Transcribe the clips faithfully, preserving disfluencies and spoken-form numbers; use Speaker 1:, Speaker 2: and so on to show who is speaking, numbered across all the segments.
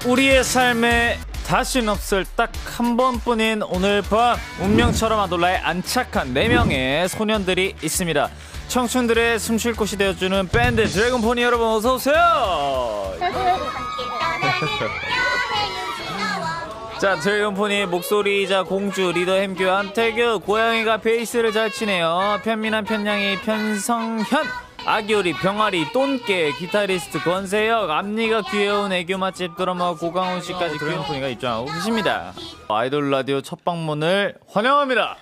Speaker 1: 우리의 삶에 다신 없을 딱 한 번뿐인 오늘 밤, 운명처럼 아돌라에 안착한 네 명의 소년들이 있습니다. 청춘들의 숨쉴 곳이 되어주는 밴드 드래곤포니 여러분, 어서 오세요. 자, 드래곤포니 목소리이자 공주 리더 햄규 한태규, 고양이가 베이스를 잘 치네요. 편민한 편냥이 편성현, 아기오리 병아리 똔깨, 기타리스트 권세혁, 앞니가 귀여운 애교 맛집 드러머 고강훈 씨까지 드래곤포니가 입장하고 계십니다. 아이돌 라디오 첫 방문을 환영합니다.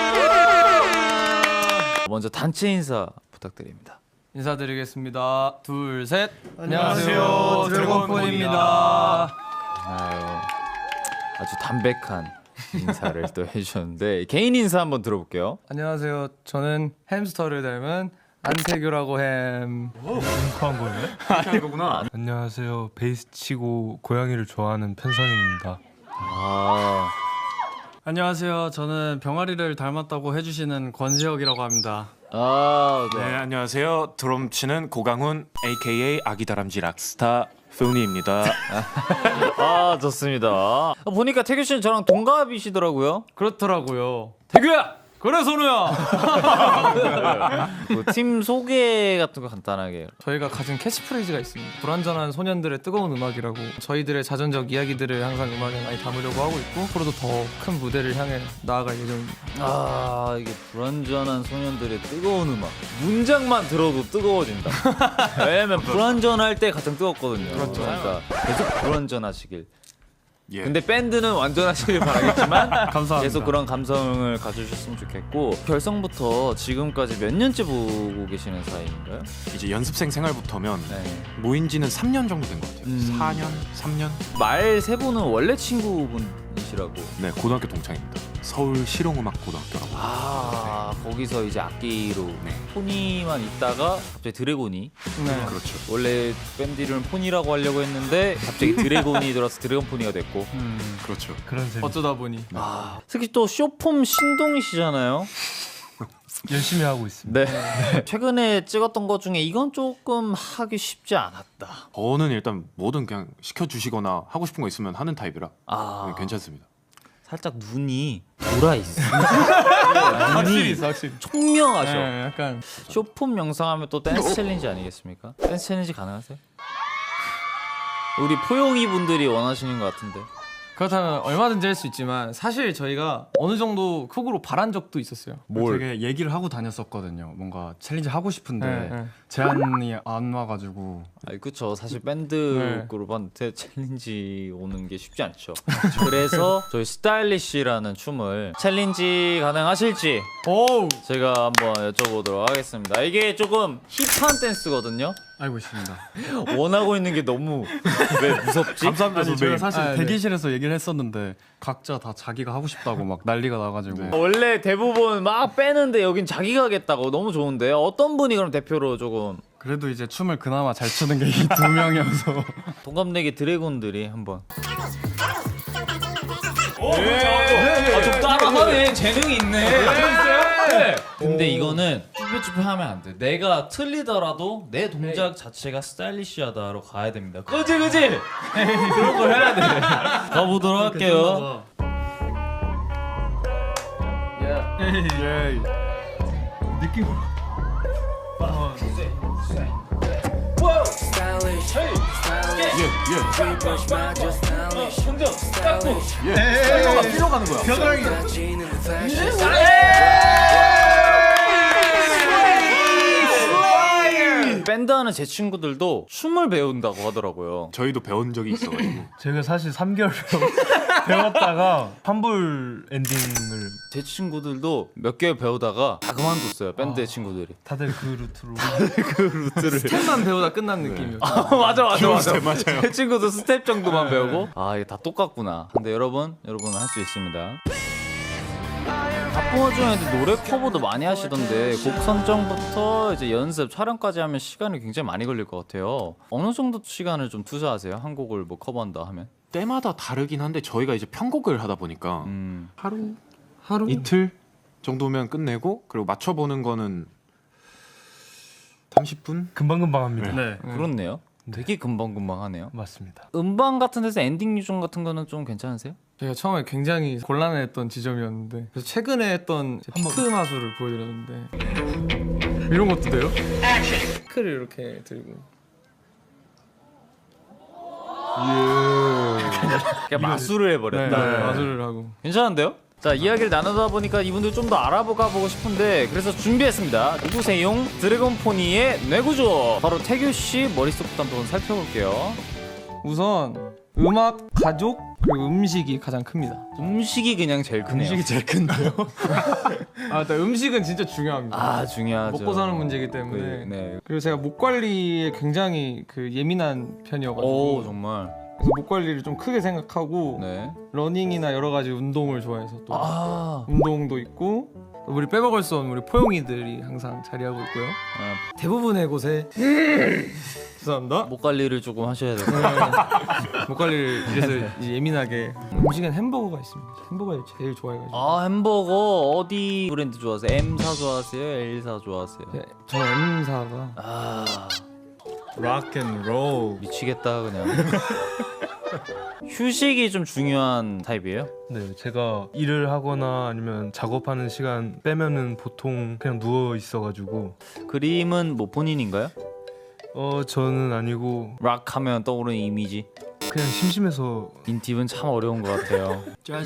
Speaker 1: 먼저 단체 인사 부탁드립니다.
Speaker 2: 인사드리겠습니다. 둘, 셋.
Speaker 3: 안녕하세요, 드래곤포니입니다.
Speaker 1: 아유, 아주 담백한 인사를 또 해주셨는데 개인 인사 한번 들어볼게요.
Speaker 2: 안녕하세요. 저는 햄스터를 닮은 안태규라고 햄.
Speaker 3: 한 거예요?
Speaker 2: 아니 거구나.
Speaker 3: 안녕하세요. 베이스 치고 고양이를 좋아하는 편성입니다.
Speaker 1: 아,
Speaker 2: 안녕하세요. 저는 병아리를 닮았다고 해주시는 권세혁이라고 합니다.
Speaker 1: 아,
Speaker 4: 네,
Speaker 1: 네.
Speaker 4: 안녕하세요. 드럼 치는 고강훈 에이케이에이 아기다람쥐 락스타 페우니입니다.
Speaker 1: 아, 좋습니다. 보니까 태규 씨는 저랑 동갑이시더라고요.
Speaker 2: 그렇더라고요. 태규야! 그래 선우야!
Speaker 1: 그 팀 소개 같은 거 간단하게.
Speaker 2: 저희가 가진 캐치프레이즈가 있습니다. 불완전한 소년들의 뜨거운 음악이라고. 저희들의 자전적 이야기들을 항상 음악에 많이 담으려고 하고 있고, 앞으로도 더 큰 무대를 향해 나아갈 예정입니다.
Speaker 1: 아, 이게 불완전한 소년들의 뜨거운 음악. 문장만 들어도 뜨거워진다. 왜냐면 불완전할 때 가장 뜨겁거든요.
Speaker 2: 그렇죠.
Speaker 1: 그러니까 계속 불완전하시길.
Speaker 4: 예.
Speaker 1: 근데 밴드는 완전하시길 바라겠지만
Speaker 2: 감사합니다.
Speaker 1: 계속 그런 감성을 가져주셨으면 좋겠고, 결성부터 지금까지 몇 년째 보고 계시는 사이인가요?
Speaker 4: 이제 연습생 생활부터면
Speaker 1: 네.
Speaker 4: 모인 지는 삼 년 정도 된 것 같아요.
Speaker 1: 음.
Speaker 4: 사 년, 삼 년?
Speaker 1: 말 세 분은 원래 친구분이시라고.
Speaker 4: 네, 고등학교 동창입니다. 서울 실용음악고등학교라고.
Speaker 1: 아, 거기서 이제 악기로
Speaker 4: 네.
Speaker 1: 포니만 있다가 갑자기 드래곤이.
Speaker 2: 네.
Speaker 4: 그렇죠.
Speaker 1: 원래 밴드 이름을 포니라고 하려고 했는데 갑자기 드래곤이 들어서 드래곤 포니가 됐고.
Speaker 2: 음,
Speaker 4: 그렇죠.
Speaker 3: 그런 재미.
Speaker 2: 어쩌다 보니.
Speaker 1: 아, 특히 또 쇼폼 신동이시잖아요.
Speaker 3: 열심히 하고 있습니다.
Speaker 1: 네. 최근에 찍었던 것 중에 이건 조금 하기 쉽지 않았다.
Speaker 4: 저는 일단 뭐든 그냥 시켜주시거나 하고 싶은 거 있으면 하는 타입이라
Speaker 1: 아,
Speaker 4: 네, 괜찮습니다.
Speaker 1: 살짝 눈이 돌아 있어.
Speaker 2: 확실히 있어, 확실히.
Speaker 1: 총명하셔.
Speaker 2: 네, 약간
Speaker 1: 쇼폼 영상하면 또 댄스 챌린지 아니겠습니까? 댄스 챌린지 가능하세요? 우리 포용이 분들이 원하시는 것 같은데.
Speaker 2: 그렇다면 얼마든지 할 수 있지만, 사실 저희가 어느 정도 극으로 바란 적도 있었어요.
Speaker 5: 되게 얘기를 하고 다녔었거든요. 뭔가 챌린지 하고 싶은데
Speaker 2: 네, 네.
Speaker 5: 제안이 안 와가지고.
Speaker 1: 아니, 그쵸. 사실 밴드
Speaker 2: 네.
Speaker 1: 그룹한테 챌린지 오는 게 쉽지 않죠. 그래서 저희 스타일리쉬라는 춤을 챌린지 가능하실지
Speaker 2: 오우!
Speaker 1: 제가 한번 여쭤보도록 하겠습니다. 이게 조금 힙한 댄스거든요.
Speaker 5: 알고 있습니다.
Speaker 1: 원하고 있는 게 너무 왜 무섭지?
Speaker 4: 감사합니다,
Speaker 5: 아니 제가 사실
Speaker 2: 아, 네.
Speaker 5: 대기실에서 얘기를 했었는데 각자 다 자기가 하고 싶다고 막 난리가 나가지고.
Speaker 1: 원래 대부분 막 빼는데 여긴 자기가 하겠다고. 너무 좋은데 어떤 분이 그럼 대표로 조금
Speaker 5: 그래도 이제 춤을 그나마 잘 추는 게 이 두 명이어서.
Speaker 1: 동갑내기 드래곤들이 한번. 아, 좀 따라하네. 재능이 있네. 네. 근데 이거는 쭈뼛쭈뼛 하면 안 돼. 내가 틀리더라도 내 동작 자체가 스타일리시하다로 가야 됩니다. 그지 그지? 그런 걸 해야 돼. 가보도록 할게요.
Speaker 5: 예.
Speaker 4: 필요 가는 거야.
Speaker 1: 밴드 하는 제 친구들도 춤을 배운다고 하더라고요.
Speaker 4: 저희도 배운 적이 있어가지고.
Speaker 3: 제가 사실 삼 개월 배웠다가 환불 엔딩을
Speaker 1: 제 친구들도 몇 개월 배우다가 다 그만뒀어요. 밴드 친구들이.
Speaker 3: 다들 그 루트로.
Speaker 1: 그 루트를.
Speaker 2: 스텝만 배우다 끝난 느낌이었죠.
Speaker 1: 아, 맞아 맞아 맞아.
Speaker 4: 맞아요.
Speaker 1: 제 친구도 스텝 정도만 배우고. 아, 이게 다 똑같구나. 근데 여러분, 여러분 할 수 있습니다. 바쁜 와중에도 노래 커버도 많이 하시던데 곡 선정부터 이제 연습, 촬영까지 하면 시간이 굉장히 많이 걸릴 것 같아요. 어느 정도 시간을 좀 투자하세요? 한 곡을 뭐 커버한다 하면?
Speaker 4: 때마다 다르긴 한데 저희가 이제 편곡을 하다 보니까
Speaker 1: 음.
Speaker 4: 하루,
Speaker 5: 하루?
Speaker 4: 이틀 정도면 끝내고, 그리고 맞춰보는 거는 삼십 분?
Speaker 3: 금방금방 합니다.
Speaker 5: 네.
Speaker 1: 그렇네요. 되게 금방금방 하네요.
Speaker 3: 맞습니다.
Speaker 1: 음반 같은 데서 엔딩 요정 같은 거는 좀 괜찮으세요?
Speaker 2: 제가 처음에 굉장히 곤란했던 지점이었는데 그래서 최근에 했던 피크 마술을 보여드렸는데 이런 것도 돼요? 피크를 이렇게 들고
Speaker 1: 그냥 마술을 해버렸다.
Speaker 2: 네, 마술을 하고
Speaker 1: 괜찮은데요? 자, 이야기를 나누다 보니까 이분들 좀 더 알아보가 보고 싶은데 그래서 준비했습니다. 누구세요? 드래곤포니의 뇌구조. 바로 태규 씨 머릿속부터 한번 살펴볼게요.
Speaker 2: 우선 음악, 가족, 그리고 음식이 가장 큽니다.
Speaker 1: 음식이 그냥 제일 크네요.
Speaker 2: 음식이 제일 큰데요? 아, 일단 음식은 진짜 중요합니다.
Speaker 1: 아, 중요하죠.
Speaker 2: 먹고 사는 문제이기 때문에.
Speaker 1: 그, 네.
Speaker 2: 그리고 제가 목 관리에 굉장히 그 예민한 편이어가지고
Speaker 1: 오, 정말.
Speaker 2: 그래서 목 관리를 좀 크게 생각하고
Speaker 1: 네.
Speaker 2: 러닝이나 여러 가지 운동을 좋아해서 또
Speaker 1: 아,
Speaker 2: 운동도 있고 우리 빼먹을 수 없는 우리 포용이들이 항상 자리하고 있고요.
Speaker 1: 아,
Speaker 2: 대부분의 곳에 죄송합니다.
Speaker 1: 목 관리를 조금 하셔야 돼요.
Speaker 2: 목 관리를 이래서 이제 예민하게. 음식엔 햄버거가 있습니다. 햄버거를 제일 좋아해가지고.
Speaker 1: 아, 햄버거 어디 브랜드 좋아하세요? M사 좋아하세요? L사 좋아하세요?
Speaker 2: 네, 저 M사가
Speaker 1: 아,
Speaker 5: 락앤롤.
Speaker 1: 미치겠다 그냥. 휴식이 좀 중요한 타입이에요?
Speaker 3: 네, 제가 일을 하거나 아니면 작업하는 시간 빼면은 보통 그냥 누워 있어가지고
Speaker 1: 그림은 뭐 본인인가요?
Speaker 3: 어 저는 아니고
Speaker 1: 락 하면 떠오르는 이미지.
Speaker 3: 그냥 심심해서
Speaker 1: 인팁은 참 어려운 것 같아요.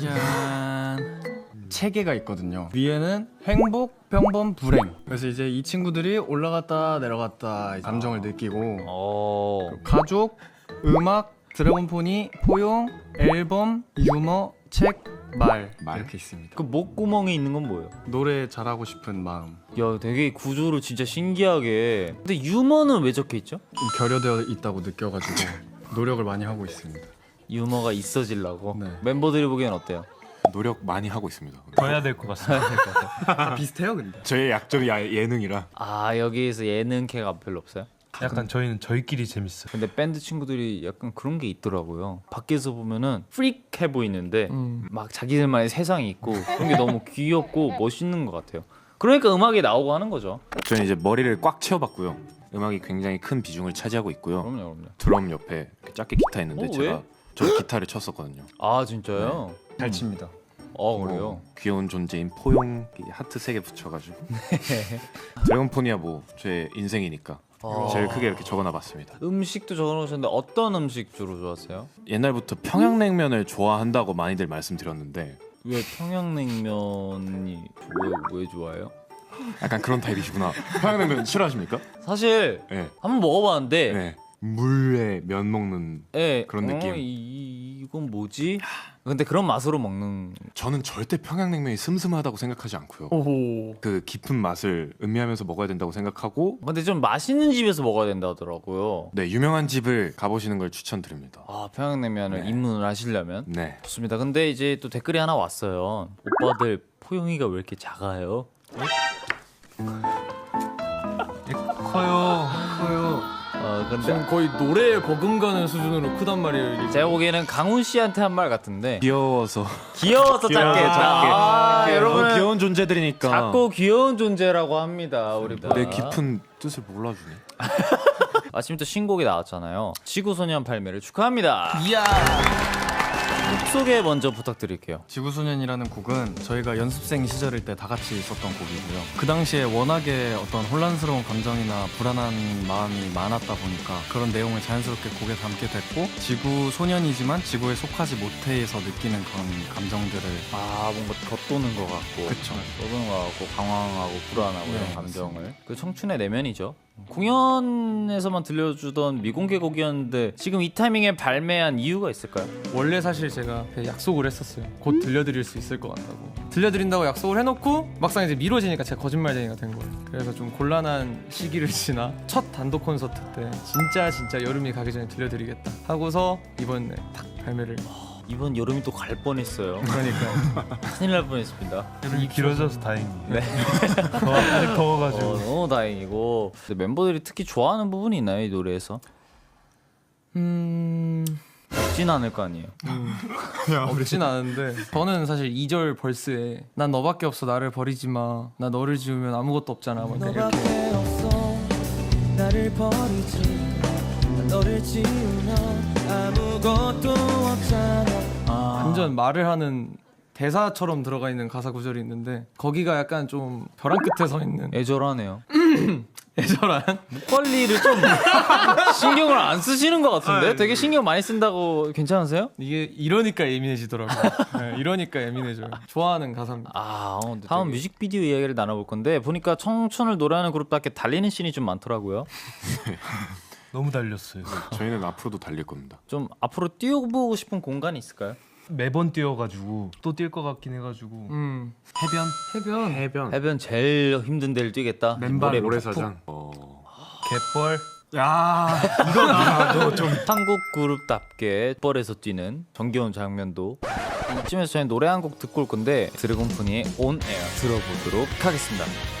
Speaker 5: 짜잔. 세 개가 있거든요. 위에는 행복, 평범, 불행. 그래서 이제 이 친구들이 올라갔다 내려갔다 감정을 느끼고
Speaker 1: 어,
Speaker 5: 가족, 음악, 드래곤포니, 포용, 앨범, 유머, 책, 말, 이렇게 있습니다.
Speaker 1: 그 목구멍에 있는 건 뭐예요?
Speaker 5: 노래 잘하고 싶은 마음.
Speaker 1: 야, 되게 구조를 진짜 신기하게. 근데 유머는 왜 적혀 있죠?
Speaker 5: 좀 결여되어 있다고 느껴가지고 노력을 많이 하고 있습니다.
Speaker 1: 유머가 있어지려고.
Speaker 5: 네.
Speaker 1: 멤버들이 보기엔 어때요?
Speaker 4: 노력 많이 하고 있습니다.
Speaker 3: 더 해야 될 것 같습니다.
Speaker 5: 다 비슷해요, 근데.
Speaker 4: 저의 약점이 야- 예능이라.
Speaker 1: 아, 여기에서 예능캐가 별로 없어요?
Speaker 3: 약간 저희는 저희끼리 재밌어요.
Speaker 1: 근데 밴드 친구들이 약간 그런 게 있더라고요. 밖에서 보면은 프릭해 보이는데
Speaker 2: 음.
Speaker 1: 막 자기들만의 세상이 있고 그런 게 너무 귀엽고 멋있는 것 같아요. 그러니까 음악이 나오고 하는 거죠.
Speaker 4: 저는 이제 머리를 꽉 채워봤고요. 음악이 굉장히 큰 비중을 차지하고 있고요.
Speaker 1: 그럼요, 그럼요.
Speaker 4: 드럼 옆에 이렇게 작게 기타 있는데
Speaker 1: 어,
Speaker 4: 제가
Speaker 1: 왜?
Speaker 4: 저 기타를 쳤었거든요.
Speaker 1: 아, 진짜요?
Speaker 5: 잘 칩니다.
Speaker 1: 어, 그래요?
Speaker 4: 뭐 귀여운 존재인 포용 하트 세 개 붙여가지고 드래곤포니아 뭐 제 인생이니까
Speaker 1: 아.
Speaker 4: 제일 크게 이렇게 적어놔봤습니다.
Speaker 1: 음식도 적어놓으셨는데 어떤 음식 주로 좋아하세요?
Speaker 4: 옛날부터 평양냉면을 좋아한다고 많이들 말씀드렸는데
Speaker 1: 왜 평양냉면이 왜, 왜 좋아해요?
Speaker 4: 약간 그런 타입이시구나. 평양냉면 싫어하십니까?
Speaker 1: 사실
Speaker 4: 네.
Speaker 1: 한번 먹어봤는데
Speaker 4: 네. 물에 면 먹는
Speaker 1: 예,
Speaker 4: 그런 느낌.
Speaker 1: 어, 이, 이건 뭐지? 근데 그런 맛으로 먹는.
Speaker 4: 저는 절대 평양냉면이 슴슴하다고 생각하지 않고요.
Speaker 2: 오호.
Speaker 4: 그 깊은 맛을 음미하면서 먹어야 된다고 생각하고
Speaker 1: 근데 좀 맛있는 집에서 먹어야 된다 하더라고요.
Speaker 4: 네 유명한 집을 가보시는 걸 추천드립니다.
Speaker 1: 아, 평양냉면을
Speaker 4: 네.
Speaker 1: 입문을 하시려면
Speaker 4: 네.
Speaker 1: 좋습니다. 근데 이제 또 댓글이 하나 왔어요. 오빠들 포용이가 왜 이렇게 작아요?
Speaker 3: 커요.
Speaker 2: 커요.
Speaker 1: 어, 근데
Speaker 2: 지금 거의 노래에 버금가는 수준으로 크단 말이에요. 이게.
Speaker 1: 제가 보기에는 강훈 씨한테 한 말 같은데
Speaker 4: 귀여워서
Speaker 1: 귀여워서 작게
Speaker 4: 작게.
Speaker 1: 아,
Speaker 4: 네,
Speaker 1: 여러분
Speaker 4: 너무 귀여운 존재들이니까
Speaker 1: 작고 귀여운 존재라고 합니다. 우리
Speaker 4: 내 깊은 뜻을 몰라주네.
Speaker 1: 아침 또 신곡이 나왔잖아요. 지구소년 발매를 축하합니다.
Speaker 2: 이야.
Speaker 1: 곡 소개 먼저 부탁드릴게요.
Speaker 5: 지구소년이라는 곡은 저희가 연습생 시절일 때 다 같이 있었던 곡이고요. 그 당시에 워낙에 어떤 혼란스러운 감정이나 불안한 마음이 많았다 보니까 그런 내용을 자연스럽게 곡에 담게 됐고 지구소년이지만 지구에 속하지 못해서 느끼는 그런 감정들을
Speaker 1: 아, 뭔가 겉도는 것 같고
Speaker 5: 그쵸.
Speaker 1: 떠도는 것 같고 강황하고 불안하고
Speaker 5: 네,
Speaker 1: 이런 감정을 그 청춘의 내면이죠. 공연에서만 들려주던 미공개 곡이었는데 지금 이 타이밍에 발매한 이유가 있을까요?
Speaker 2: 원래 사실 제가 약속을 했었어요. 곧 들려드릴 수 있을 것 같다고. 들려드린다고 약속을 해놓고 막상 이제 미뤄지니까 제가 거짓말쟁이가 된 거예요. 그래서 좀 곤란한 시기를 지나 첫 단독 콘서트 때 진짜 진짜 여름이 가기 전에 들려드리겠다 하고서 이번에 딱 발매를.
Speaker 1: 이번 여름이 또 갈 뻔했어요.
Speaker 2: 그러니까
Speaker 1: 큰일 날 뻔했습니다.
Speaker 3: 여름이 길어져서 다행이에요.
Speaker 1: 네.
Speaker 3: 더, 아직 더워가지고.
Speaker 1: 어, 너무 다행이고. 근데 멤버들이 특히 좋아하는 부분이 있나요, 이 노래에서?
Speaker 2: 음...
Speaker 1: 없진 않을 거 아니에요.
Speaker 2: 없진 않은데 저는 사실 이 절 벌스에 난 너밖에 없어 나를 버리지 마. 나 너를 지우면 아무것도 없잖아. 뭐 이렇게
Speaker 6: 너밖에 없어 나를 버리지 난 너를 지우면 아무것도 없잖아.
Speaker 1: 아.
Speaker 2: 완전 말을 하는 대사처럼 들어가 있는 가사 구절이 있는데 거기가 약간 좀 벼랑 끝에 서 있는
Speaker 1: 애절하네요.
Speaker 2: 애절한
Speaker 1: 목 관리를 좀 신경을 안 쓰시는 것 같은데? 되게 신경 많이 쓴다고 괜찮으세요?
Speaker 2: 이게 이러니까 예민해지더라고요. 네, 이러니까 예민해져요. 좋아하는 가사입니다.
Speaker 1: 아, 어, 다음 뮤직비디오 이야기를 나눠볼 건데 보니까 청춘을 노래하는 그룹답게 달리는 씬이 좀 많더라고요.
Speaker 3: 너무 달렸어요.
Speaker 4: 저희는 앞으로도 달릴 겁니다.
Speaker 1: 좀 앞으로 뛰어보고 싶은 공간이 있을까요?
Speaker 3: 매번 뛰어가지고 또 뛸 것 같긴 해가지고
Speaker 2: 음,
Speaker 5: 해변?
Speaker 2: 해변.
Speaker 4: 해변,
Speaker 1: 해변 제일 힘든 데를 뛰겠다.
Speaker 5: 맨발
Speaker 1: 모래로
Speaker 4: 모래사장. 어...
Speaker 3: 갯벌.
Speaker 5: 야
Speaker 1: 한국 그룹답게 뻘에서 뛰는 정겨운 장면도. 이쯤에서 저희 노래 한 곡 듣고 올 건데 드래곤포니의 On Air 들어보도록 하겠습니다.